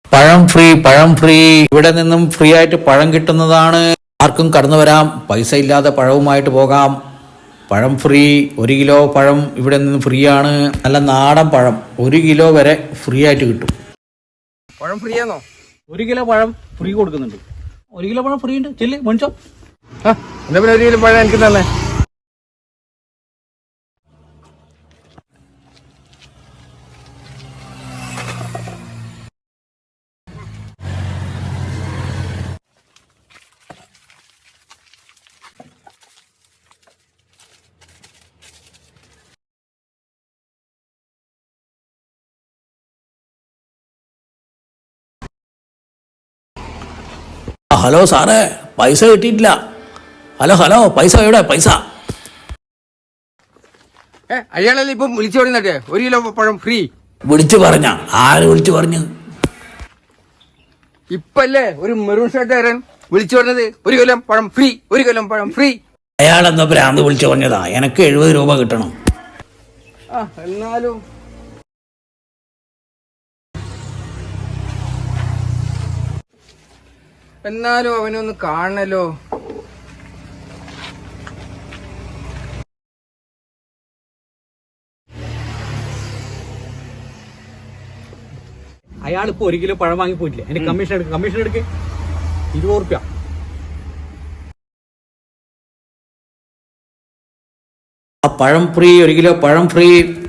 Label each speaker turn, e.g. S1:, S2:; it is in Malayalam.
S1: പഴം ഫ്രീ, പഴം ഫ്രീ. ഇവിടെ നിന്നും ഫ്രീ ആയിട്ട് പഴം കിട്ടുന്നതാണ്. ആർക്കും കടന്നു വരാം, പൈസ ഇല്ലാതെ പഴവുമായിട്ട് പോകാം. പഴം ഫ്രീ. 1 കിലോ പഴം ഇവിടെ നിന്ന് ഫ്രീ ആണ്. നല്ല നാടൻ പഴം 1 കിലോ വരെ ഫ്രീ ആയിട്ട് കിട്ടും.
S2: പഴം ഫ്രീ ആണോ?
S1: 1 കിലോ പഴം ഫ്രീ കൊടുക്കുന്നുണ്ട്. 1 കിലോ പഴം ഫ്രീ ഉണ്ട്. ചെല്ലി മേടിച്ചോ.
S2: എന്നാ പിന്നെ 1 കിലോ പഴം എനിക്ക് തന്നെ.
S1: ഹലോ സാറേ, പൈസ കിട്ടിയിട്ടില്ല. ഹലോ പൈസ എവിടെ? പൈസ
S2: അയാളല്ലേ ഇപ്പം വിളിച്ചു പറഞ്ഞേ 1 കിലോ പഴം ഫ്രീ.
S1: വിളിച്ചു പറഞ്ഞ? ആര് വിളിച്ചു പറഞ്ഞു?
S2: ഇപ്പല്ലേ ഒരു മെറൂൺ ഷർട്ടുകാരൻ വിളിച്ചു പറഞ്ഞത് 1 കിലോ പഴം ഫ്രീ, 1 കിലോ പഴം ഫ്രീ.
S1: അയാളെന്തോ ഭ്രാന്ത് വിളിച്ചു പറഞ്ഞതാ. എനിക്ക് 70 രൂപ കിട്ടണം.
S2: എന്നാലും അവനൊന്ന് കാണണല്ലോ.
S3: അയാളിപ്പോ 1 കിലോ പഴം വാങ്ങി പോയിട്ടില്ല. എന്റെ കമ്മീഷൻ എടുക്ക് 20 റുപ്യ.
S1: ആ പഴം ഫ്രീ, 1 കിലോ പഴം ഫ്രീ.